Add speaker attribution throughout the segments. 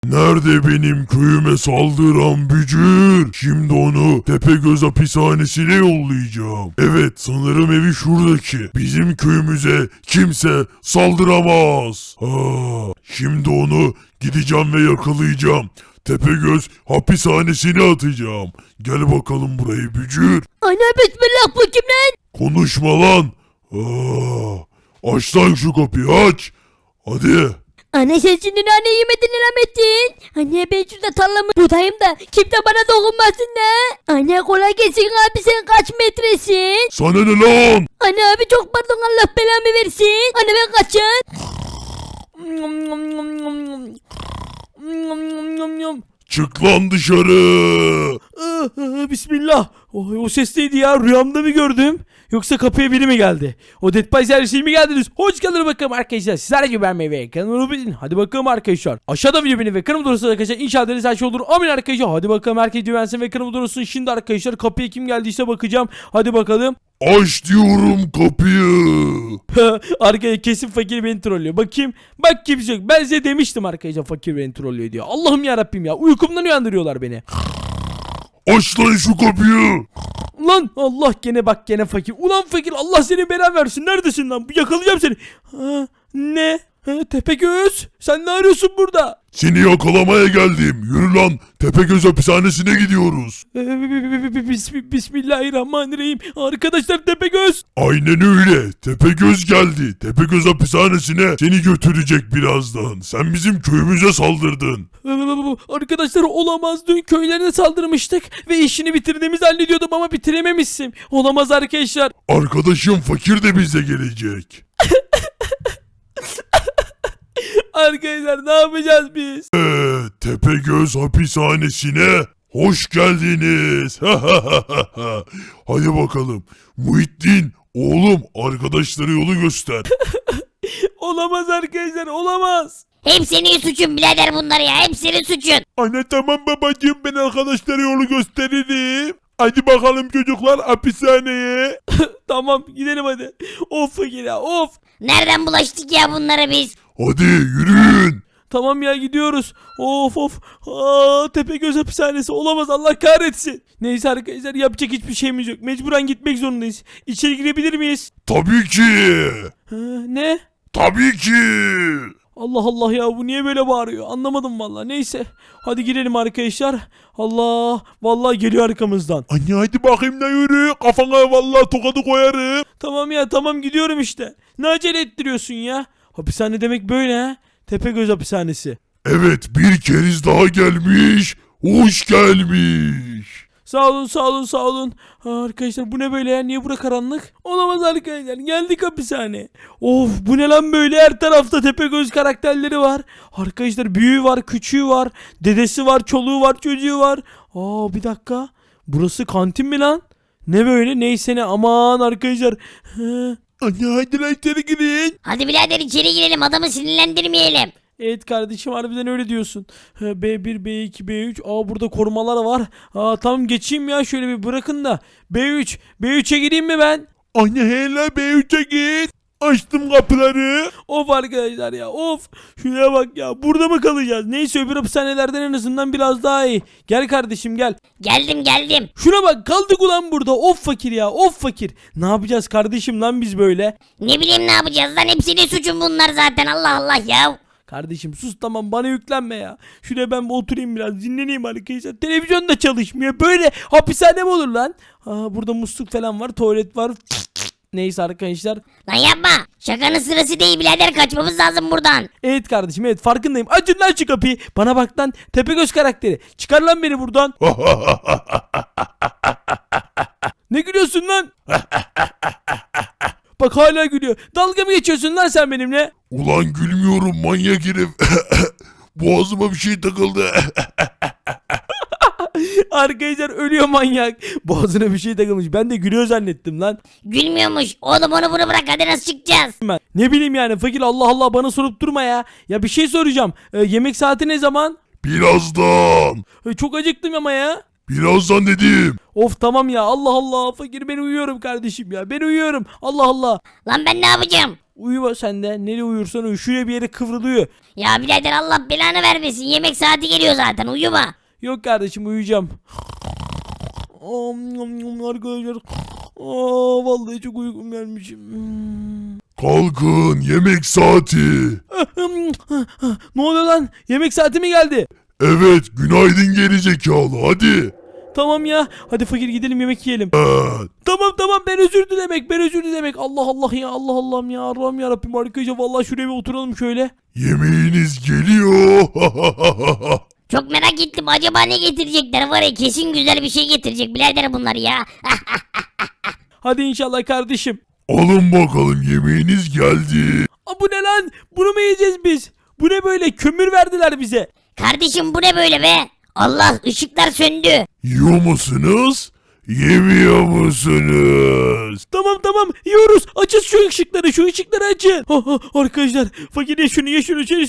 Speaker 1: Nerede benim köyüme saldıran bücür? Şimdi onu Tepegöz hapishanesine yollayacağım. Evet, sanırım evi şuradaki. Bizim köyümüze kimse saldıramaz. Şimdi onu gideceğim ve yakalayacağım. Tepegöz hapishanesine atacağım. Gel bakalım buraya bücür.
Speaker 2: Ana bismillah, bu kim lan?
Speaker 1: Konuşma lan. Aç lan şu kapıyı, aç. Hadi.
Speaker 2: Ana sen şimdi nane yemedin Rahmettin. Anne ben şurada tarlamı budayım da kimse bana dokunmasın da. Anne kolay gelsin abi, sen kaç metresin?
Speaker 1: Sana ne lan?
Speaker 2: Anne abi çok pardon, Allah belamı versin. Anne ben kaçın?
Speaker 1: Çık lan dışarı.
Speaker 3: Bismillah. O ses neydi ya? Rüyamda mı gördüm? Yoksa kapıya biri mi geldi? O Dead by Service'e mi geldiniz? Hoş geldiniz bakalım arkadaşlar. Sizler gibi ben ve kanalıma bilin. Hadi bakalım arkadaşlar. Aşağıda video benim ve kanalımda olursa arkadaşlar. İnşallah deniz her şey olur. Amin arkadaşlar. Hadi bakalım herkes güvensin ve kanalımda olursun. Şimdi arkadaşlar kapıya kim geldiyse bakacağım. Hadi bakalım.
Speaker 1: Aç diyorum kapıyı.
Speaker 3: Arkadaşlar kesin fakir beni trollüyor. Bakayım. Bak kimse yok. Ben size demiştim arkadaşlar fakir beni trollüyor diyor. Allah'ım yarabbim ya. Uykumdan uyandırıyorlar beni.
Speaker 1: Aç lan şu kapıyı.
Speaker 3: Lan Allah, gene fakir. Ulan fakir, Allah seni bela versin. Neredesin lan? Yakalayacağım seni. Ne? Tepegöz, sen ne arıyorsun burada?
Speaker 1: Seni yakalamaya geldim. Yürü lan. Tepegöz hapishanesine gidiyoruz.
Speaker 3: Bismillahirrahmanirrahim. Arkadaşlar Tepegöz.
Speaker 1: Aynen öyle. Tepegöz geldi. Tepegöz hapishanesine seni götürecek birazdan. Sen bizim köyümüze saldırdın.
Speaker 3: Arkadaşlar olamaz. Dün köylerine saldırmıştık ve işini bitirdiğimizi zannediyordum ama bitirememişsin. Olamaz arkadaşlar.
Speaker 1: Arkadaşım fakir de bize gelecek.
Speaker 3: Arkadaşlar ne yapacağız biz?
Speaker 1: Tepegöz hapishanesine hoş geldiniz. Hadi bakalım. Muhittin, oğlum arkadaşlara yolu göster.
Speaker 3: Olamaz arkadaşlar, olamaz.
Speaker 2: Hep senin suçun birader bunlar ya, hep senin suçun.
Speaker 1: Anne tamam babacığım, ben arkadaşlara yolu gösteririm. Hadi bakalım çocuklar hapishaneye.
Speaker 3: Tamam gidelim hadi. Of fakir ya, of.
Speaker 2: Nereden bulaştık ya bunlara biz?
Speaker 1: Hadi yürüyün.
Speaker 3: Tamam ya, gidiyoruz. Of. Tepegöz hapishanesi olamaz, Allah kahretsin. Neyse arkadaşlar, yapacak hiçbir şeyimiz yok. Mecburen gitmek zorundayız. İçeri girebilir miyiz?
Speaker 1: Tabii ki.
Speaker 3: Ne?
Speaker 1: Tabii ki.
Speaker 3: Allah Allah ya, bu niye böyle bağırıyor? Anlamadım vallahi. Neyse. Hadi girelim arkadaşlar. Allah. Vallahi geliyor arkamızdan.
Speaker 1: Anne hadi bakayım da yürü. Kafana vallahi tokadı koyarım.
Speaker 3: Tamam ya, tamam gidiyorum işte. Ne acele ettiriyorsun ya? Hapishane demek böyle ha? Tepegöz hapishanesi.
Speaker 1: Evet, bir keriz daha gelmiş. Hoş gelmiş.
Speaker 3: Sağ olun. Arkadaşlar bu ne böyle ya? Niye bura karanlık? Olamaz arkadaşlar. Geldik hapishane. Of, bu ne lan böyle? Her tarafta Tepegöz karakterleri var. Arkadaşlar büyüğü var, küçüğü var. Dedesi var, çoluğu var, çocuğu var. Bir dakika. Burası kantin mi lan? Ne böyle? Neyse ne. Aman arkadaşlar.
Speaker 1: Anne hadi lan içeri girin.
Speaker 2: Hadi birader içeri girelim, adamı sinirlendirmeyelim.
Speaker 3: Evet kardeşim, harbiden öyle diyorsun. B1, B2, B3. Burada korumalar var. Tamam geçeyim ya, şöyle bir bırakın da. B3'e gireyim mi ben?
Speaker 1: Anne hele B3'e git. Açtım kapıları.
Speaker 3: Of arkadaşlar ya, of. Şuraya bak ya, burada mı kalacağız? Neyse, öbür hapishanelerden en azından biraz daha iyi. Gel kardeşim gel.
Speaker 2: Geldim.
Speaker 3: Şuna bak, kaldık ulan burada. Of fakir ya, of fakir. Ne yapacağız kardeşim lan biz böyle?
Speaker 2: Ne bileyim ne yapacağız lan, hep senin suçun bunlar zaten, Allah Allah ya.
Speaker 3: Kardeşim sus, tamam, bana yüklenme ya. Şuraya ben bir oturayım, biraz dinleneyim arkadaşlar. Televizyon da çalışmıyor. Böyle hapishane mi olur lan? Burada musluk falan var, tuvalet var. Neyse arkadaşlar.
Speaker 2: Lan yapma, şakanın sırası değil birader, kaçmamız lazım buradan.
Speaker 3: Evet kardeşim, evet farkındayım. Açın lan şu kapıyı. Bana bak lan, Tepegöz karakteri. Çıkar lan beni buradan. Ne gülüyorsun lan? Bak hala gülüyor. Dalga mı geçiyorsun lan sen benimle?
Speaker 1: Ulan gülmüyorum manyak herif. Boğazıma bir şey takıldı.
Speaker 3: Arkadaşlar ölüyor manyak. Boğazına bir şey takılmış. Ben de gülüyor zannettim lan.
Speaker 2: Gülmüyormuş oğlum, onu bunu bırak, hadi nasıl çıkacağız?
Speaker 3: Ben ne bileyim yani fakir, Allah Allah bana sorup durma ya. Ya bir şey soracağım. Yemek saati ne zaman?
Speaker 1: Birazdan.
Speaker 3: Çok acıktım ama ya.
Speaker 1: Birazdan dedim.
Speaker 3: Of tamam ya, Allah Allah fakir, ben uyuyorum kardeşim ya. Ben uyuyorum. Allah Allah.
Speaker 2: Lan ben ne yapacağım?
Speaker 3: Uyuma sen de. Nereye uyursan uyu. Şuraya bir yere kıvrılıyor.
Speaker 2: Ya birader Allah belanı vermesin. Yemek saati geliyor zaten uyuma.
Speaker 3: Yok kardeşim uyuyacağım. Arkadaşlar. Vallahi çok uykum gelmiş.
Speaker 1: Kalkın, yemek saati.
Speaker 3: Ne oluyor lan? Yemek saati mi geldi?
Speaker 1: Evet, günaydın gerizekalı, hadi.
Speaker 3: Tamam ya. Hadi fakir gidelim yemek yiyelim.
Speaker 1: Evet.
Speaker 3: Tamam ben özür dilemek. Allah Allah ya Allah Allah'ım ya Allah'ım ya Rabbim arkadaşlar vallahi şuraya bir oturalım şöyle.
Speaker 1: Yemeğiniz geliyor.
Speaker 2: Çok merak ettim acaba ne getirecekler var ya kesin güzel bir şey getirecek birader bunlar ya.
Speaker 3: Hadi inşallah kardeşim.
Speaker 1: Alın bakalım, yemeğiniz geldi.
Speaker 3: Bu ne lan? Bunu mu yiyeceğiz biz? Bu ne böyle? Kömür verdiler bize.
Speaker 2: Kardeşim bu ne böyle be? Allah ışıklar söndü.
Speaker 1: Yiyor musunuz? Yemiyor musunuz?
Speaker 3: Tamam yiyoruz. Açın şu ışıkları açın. Arkadaşlar fakir ye şunu şunu.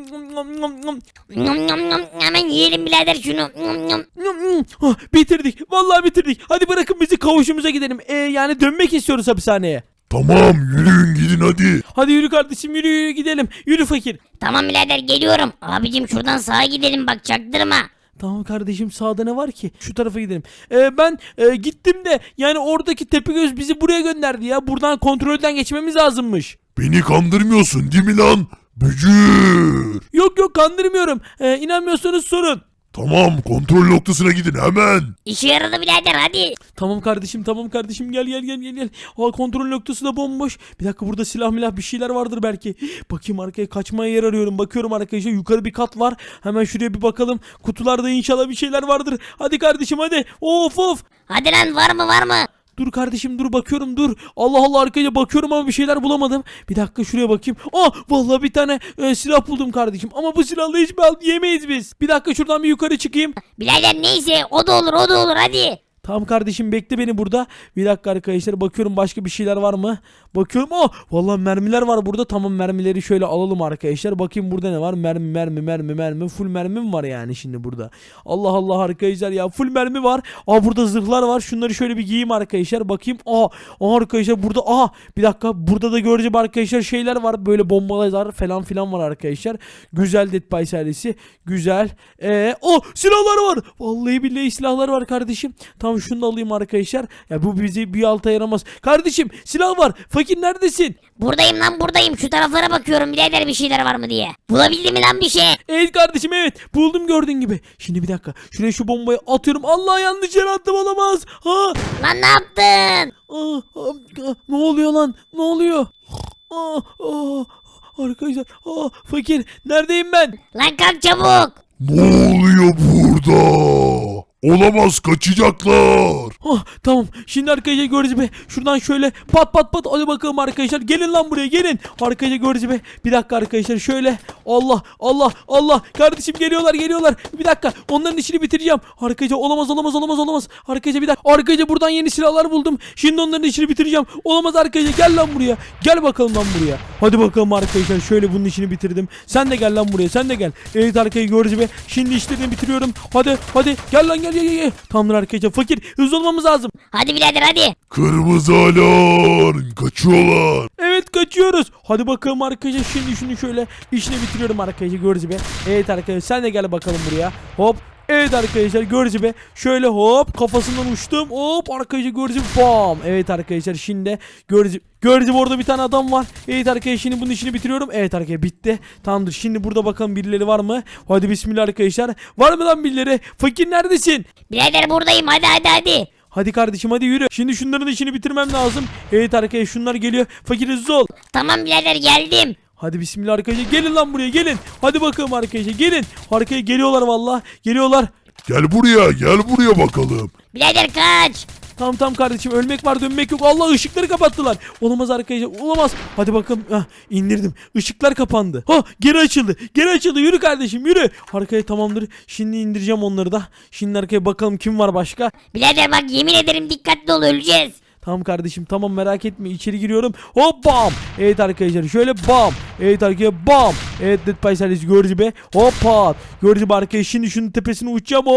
Speaker 2: Nom nom nom hemen yiyelim birader şunu. Nom nom.
Speaker 3: Bitirdik. Vallahi bitirdik. Hadi bırakın bizi kavuşumuza gidelim. Yani dönmek istiyoruz hapishaneye.
Speaker 1: Tamam, yürüyün gidin hadi.
Speaker 3: Hadi yürü kardeşim yürü gidelim. Yürü fakir.
Speaker 2: Tamam birader geliyorum. Abicim şuradan sağa gidelim bak çaktırma.
Speaker 3: Tamam kardeşim sağda ne var ki? Şu tarafa gidelim. Ben gittim de yani oradaki Tepegöz bizi buraya gönderdi ya. Buradan kontrolden geçmemiz lazımmış.
Speaker 1: Beni kandırmıyorsun değil mi lan? Bücür.
Speaker 3: Yok kandırmıyorum. İnanmıyorsanız sorun.
Speaker 1: Tamam, kontrol noktasına gidin hemen.
Speaker 2: İşe yaradı birader hadi.
Speaker 3: Tamam kardeşim gel. Kontrol noktası da bomboş. Bir dakika burada silah bir şeyler vardır belki. Bakayım arkaya kaçmaya yer arıyorum. Bakıyorum arkadaşlar yukarı bir kat var. Hemen şuraya bir bakalım. Kutularda inşallah bir şeyler vardır. Hadi kardeşim hadi. Of.
Speaker 2: Hadi lan var mı?
Speaker 3: Dur kardeşim dur bakıyorum dur. Allah arkaya bakıyorum ama bir şeyler bulamadım. Bir dakika şuraya bakayım. Vallahi bir tane silah buldum kardeşim. Ama bu silahla hiçbir halt yemeyiz biz. Bir dakika şuradan bir yukarı çıkayım.
Speaker 2: Birader neyse o da olur hadi.
Speaker 3: Tamam kardeşim bekle beni burada. Bir dakika arkadaşlar bakıyorum başka bir şeyler var mı? Bakıyorum. Vallahi mermiler var burada. Tamam mermileri şöyle alalım arkadaşlar. Bakayım burada ne var? Mermi. Full mermi mi var yani şimdi burada? Allah arkadaşlar ya full mermi var. Burada zırhlar var. Şunları şöyle bir giyeyim arkadaşlar. Bakayım. Arkadaşlar burada. Bir dakika burada da göreceğim arkadaşlar şeyler var. Böyle bombalar falan filan var arkadaşlar. Güzel Dead by serisi. Güzel. Silahlar var. Vallahi billahi silahlar var kardeşim. Tamam şunu da alayım arkadaşlar. Ya bu bizi bir alta yaramaz. Kardeşim silah var. Fakir neredesin?
Speaker 2: Buradayım şu taraflara bakıyorum birader bir şeyler var mı diye. Bulabildin mi lan bir şey?
Speaker 3: Evet kardeşim evet. Buldum gördüğün gibi. Şimdi bir dakika. Şuraya şu bombayı atıyorum. Allah yanlış yere attım olamaz.
Speaker 2: Lan ne yaptın?
Speaker 3: Ne oluyor lan? Ne oluyor? Arkadaşlar. Fakir neredeyim ben?
Speaker 2: Lan kalk çabuk.
Speaker 1: Ne oluyor burada? Olamaz, kaçacaklar.
Speaker 3: Tamam. Şimdi arkadaşlar göreceğiz be. Şuradan şöyle pat. Hadi bakalım arkadaşlar. Gelin lan buraya gelin. Arkadaşlar göreceğiz be. Bir dakika arkadaşlar şöyle. Allah. Kardeşim geliyorlar. Bir dakika. Onların işini bitireceğim. Arkadaşlar olamaz. Arkadaşlar bir dakika. Arkadaşlar buradan yeni silahlar buldum. Şimdi onların işini bitireceğim. Olamaz arkadaşlar. Gel lan buraya. Gel bakalım lan buraya. Hadi bakalım arkadaşlar. Şöyle bunun işini bitirdim. Sen de gel lan buraya. Sen de gel. Evet arkadaşlar göreceğiz be. Şimdi işlerini bitiriyorum. Hadi. Gel lan gel. Tamamdır arkadaşlar. Fakir hızlı olmamız lazım.
Speaker 2: Hadi birader hadi.
Speaker 1: Kırmızı alarm, kaçıyorlar.
Speaker 3: Evet kaçıyoruz. Hadi bakalım arkadaşlar şimdi şunu şöyle işini bitiriyorum arkadaşlar görücü be. Evet arkadaşlar sen de gel bakalım buraya. Hop. Evet arkadaşlar görücü be. Şöyle hop kafasından uçtum. Hop arkadaşlar görücü bam. Evet arkadaşlar şimdi görücü orada bir tane adam var. Evet arkadaşlar şimdi bunun işini bitiriyorum. Evet arkadaşlar bitti. Tamamdır. Şimdi burada bakalım birileri var mı? Hadi bismillah arkadaşlar. Var mı lan birileri? Fakir neredesin?
Speaker 2: Birader buradayım hadi.
Speaker 3: Hadi kardeşim hadi yürü. Şimdi şunların işini bitirmem lazım. Evet arkadaşlar şunlar geliyor. Fakir hızlı ol.
Speaker 2: Tamam birader geldim.
Speaker 3: Hadi bismillah arkadaşlar gelin lan buraya gelin. Hadi bakalım arkadaşlar gelin. Arkaya geliyorlar vallahi. Geliyorlar.
Speaker 1: Gel buraya bakalım.
Speaker 2: Birader kaç.
Speaker 3: Tamam kardeşim ölmek var dönmek yok. Allah ışıkları kapattılar. Olamaz arkadaşlar olamaz. Hadi bakalım indirdim. Işıklar kapandı. Geri açıldı. Yürü kardeşim yürü. Arkaya tamamdır. Şimdi indireceğim onları da. Şimdi arkaya bakalım kim var başka.
Speaker 2: Birader bak yemin ederim dikkatli ol öleceğiz.
Speaker 3: Tamam kardeşim tamam merak etme içeri giriyorum. Hop bam. Evet arkadaşlar şöyle bam. Evet arkadaşlar bam. Evet Dead by Silence gördü be. Hop pat. Gördü be arkadaşlar şimdi şunun tepesine uçacağım hop.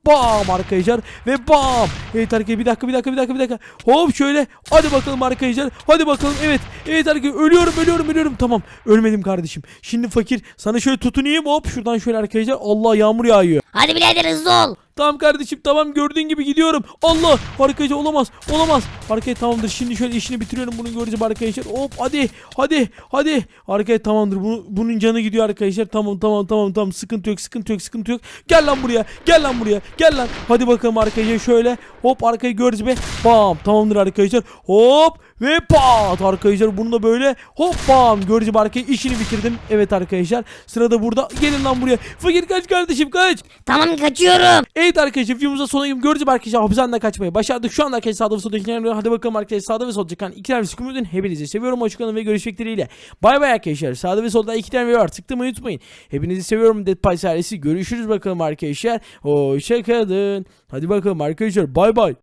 Speaker 3: bam arkadaşlar ve bam. Evet arkadaşlar bir dakika. Hop şöyle. Hadi bakalım arkadaşlar. Hadi bakalım. Evet arkadaşlar ölüyorum. Tamam. Ölmedim kardeşim. Şimdi fakir sana şöyle tutunayım. Hop şuradan şöyle arkadaşlar. Allah yağmur yağıyor.
Speaker 2: Hadi birader hızlı ol.
Speaker 3: Tamam kardeşim tamam gördüğün gibi gidiyorum. Allah arkadaşlar olamaz. Arkadaşlar tamamdır şimdi şöyle işini bitiriyorum bunun göreceğim arkadaşlar. Hop hadi. Arkadaşlar tamamdır bunun canı gidiyor arkadaşlar. Tamam sıkıntı yok. Gel lan buraya. Hadi bakalım arkadaşlar şöyle. Hop arkayı göreceğiz be. Bam tamamdır arkadaşlar. Hop ve pat arkadaşlar bunu da böyle hop bam göreceğim arkayı işini bitirdim. Evet arkadaşlar sırada burada gelin lan buraya. Fakir kaç kardeşim kaç.
Speaker 2: Tamam kaçıyorum.
Speaker 3: Evet arkadaşlar videomuzda sonuna göreceğim arkadaşlar hapishaneden kaçmayı başardık. Şu anda arkadaşlar sağda ve solda ikiler hadi bakalım arkadaşlar sağda ve solda çıkan iki tane sıkıntı hepinizi seviyorum. Hoşçakalın ve görüşmek dileğiyle. Bay bay arkadaşlar. Sağda ve solda iki tane video var. Tıklamayı unutmayın. Hepinizi seviyorum Dead Pies ailesi. Görüşürüz bakalım arkadaşlar. Hoşçakalın. Hadi bakalım arkadaşlar bay bay.